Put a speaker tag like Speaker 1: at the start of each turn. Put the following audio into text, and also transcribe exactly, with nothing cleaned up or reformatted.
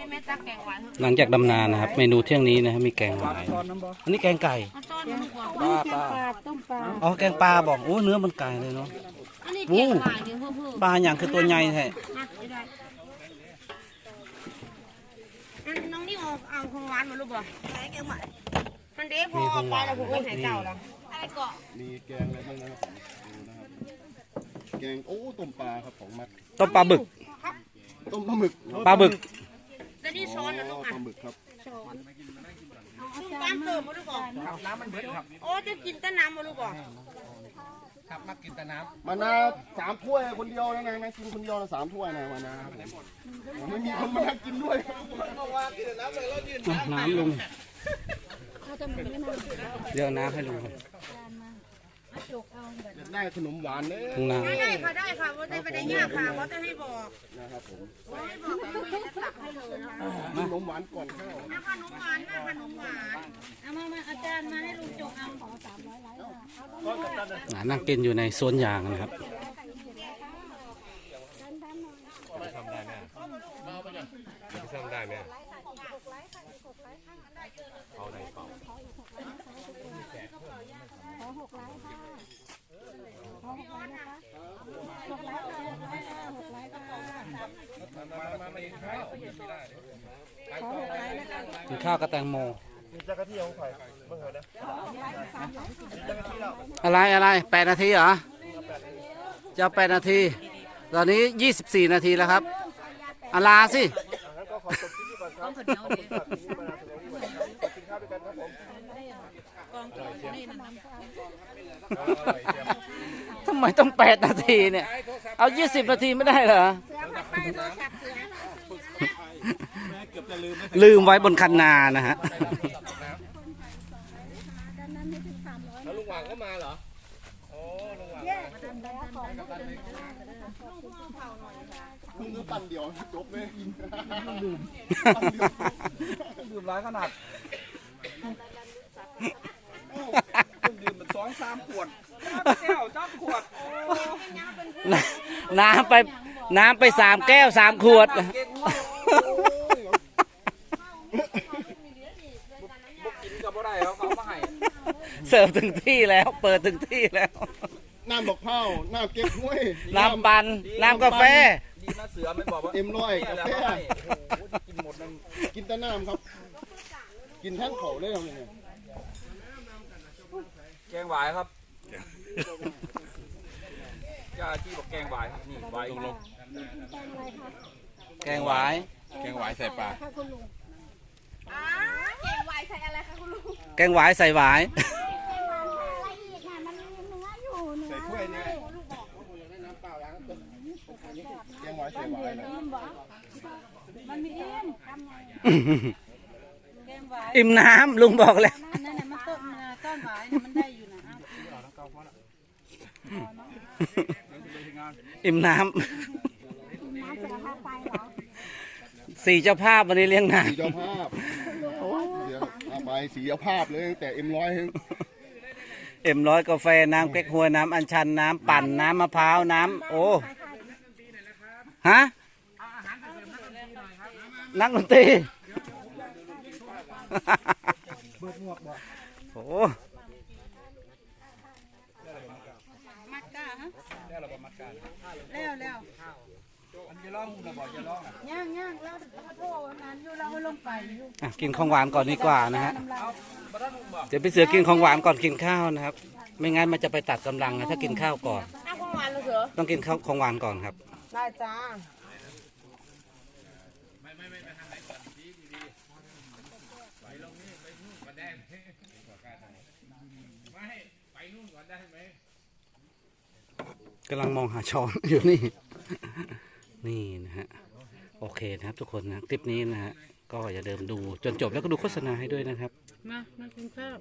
Speaker 1: หลังจากดำนานะครับเมนูเที่ยงนี้นะครับมีแกงหวายอันนี้แกงไก่ปลาปลาอ๋อแกงปลาบอกโอ้เนื้อมันไก่เลยเนาะโอ้ปลาอย่างคือตัวใหญ่แท้
Speaker 2: น้องนี่เอาเอาของหวานมาลูกบ่แกงหวานมันเด็กพอเอาไปแล้วผมก็ให้เจ้าแล้วอะไรเกาะ
Speaker 3: มีแกงอะไรบ้างนะครับแกงโอ้ต้มปลาครับของมัด
Speaker 1: ต้มปลาบึก
Speaker 3: ต้มปลาหมึก
Speaker 1: ปลาบึก
Speaker 2: แล้วนี่ช้อนนะลูกอ่ะ
Speaker 3: ปลาหมึกครับ
Speaker 2: ช้อนลุงตามเติมมาลูกบ่น้ำมันเบิดครับโอ้จะกินแต่น้ำมาลูกบ่
Speaker 4: ครับมากินแต่น้ำ
Speaker 3: มานาสามถ้วยคนเดียวนะนะกินคนเดียวนะสามถ้วยนะมานาไม่มีคนมากินด้วย
Speaker 1: น้ำลุงเดี๋ยวน้ำให้ลุงครับ
Speaker 3: ได้ขนมหวานเลย
Speaker 2: ได้ค่ะได้ค่ะว่าได้ไปได้ยากค่ะว่าจะให้บอก
Speaker 3: นะครับผม
Speaker 2: ให้บอกจะตักให้เลย
Speaker 3: ขนมหวานก่อนข้าว
Speaker 2: น้ำขนมหวานน้ำขนมหวานเอามามาอาจารย์มาให้ลุงจงเอาของสามร้อยไล
Speaker 1: นั่งกินอยู่ในสวนยางนะครับ
Speaker 4: ทำได้ไหมทำได้ไหมเอาไหนเปล่า
Speaker 5: ขอหกไลค์ค่ะขอหกไลค์นะคะหกไลค์ค่ะหกไลค์ค่ะ
Speaker 4: มามามากินข้าวไม่ได้
Speaker 5: ขอหกไลค์นะคะ
Speaker 1: กินข้าวกับแตงโม
Speaker 3: มีจักรที่ของใครเมื่อไหร่นะ
Speaker 1: อะไรอะไรแปดนาทีเหรอจะแปดนาทีตอนนี้ยี่สิบสี่นาทีแล้วครับอาลาสิทำไมต้องแปดนาทีเนี่ยเอายี่สิบนาทีไม่ได้เหรอลืมไว้บนคันนานะฮะ
Speaker 4: แล้วลุงหว่างก็มาเหรอโอ้ลุงหว่าง
Speaker 3: มึงก็ปั่นเดียวจบเลย
Speaker 4: ดื่มดื่มร้ายขนาดดื่มมันสองสามขวดแก้วจ้าขวด
Speaker 1: น้ำไปน้ำไปสามแก้วสามขวดเสิร์ฟถึงที่แล้วเปิดถึงที่แล้ว
Speaker 3: น้ำดอกเผาน้ำเก๊กฮวย
Speaker 1: น้ำปั่นน้ำกาแฟ
Speaker 4: ดีนะเสือไม่บอกว่า
Speaker 3: เอ็มร้อยกาแฟกินหมดนั่นกินแต่น้ำครับกินแท่งเขาเลยทำยังไง
Speaker 4: แกงหวายครับย่าที่บอกแกงหวายนี่หวายลง
Speaker 1: แกงหวาย
Speaker 4: แกงหวายใส่ปลา
Speaker 2: แกงหวายใส่อะไรคะคุณลุง
Speaker 1: แกงหวายใส่หวาย
Speaker 3: ใส่ถ้วยนี่แกงหวายใส่หวาย
Speaker 5: มันมีอิ่ม
Speaker 1: อิ่มน้ำลุงบอกแล้ว
Speaker 5: นั่นน่ะมันต้นต้นหวายมันได้อยู่นะ
Speaker 1: อิ่มน้ำสี่เจ้าภาพวันนี้เลี้ยงน้ำ
Speaker 3: สี่เจ้าภาพเดี๋ยวเอาไปสี่เจ้าภาพเลยแต่เอ็มร้อย
Speaker 1: เอ็มร้อยกาแฟน้ำเก๊กฮวยน้ำอัญชันน้ำปั่นน้ำมะพร้าวน้ำโอ้ฮะนักดนตรีโอ้
Speaker 5: มัดก้าฮะ
Speaker 4: แล้วเราบอกมัดกัน
Speaker 5: แล้วแล้ว
Speaker 4: อันจะร้องเราบอกจะร้องอ่ะ
Speaker 5: ย่างย่างแล้วโทษนั้นอยู่เราลงไปอยู่
Speaker 1: กินของหวานก่อนดีกว่านะฮะเดี๋ยวไปเสือกินของหวานก่อนกินข้าวนะครับไม่งั้นมันจะไปตัดกำลังนะถ้ากินข้าวก่อน
Speaker 2: ของหวานเลยเสือ
Speaker 1: ต้องกินข้าวของหวานก่อนครับ
Speaker 2: ได้จ้า
Speaker 1: กำลังมองหาช้อนอยู่นี่นี่นะฮะโอเคนะครับทุกคนนะคลิปนี้นะฮะก็อย่าเดิมดูจนจบแล้วก็ดูโฆษณาให้ด้วยนะครับ
Speaker 5: มามากินข้าว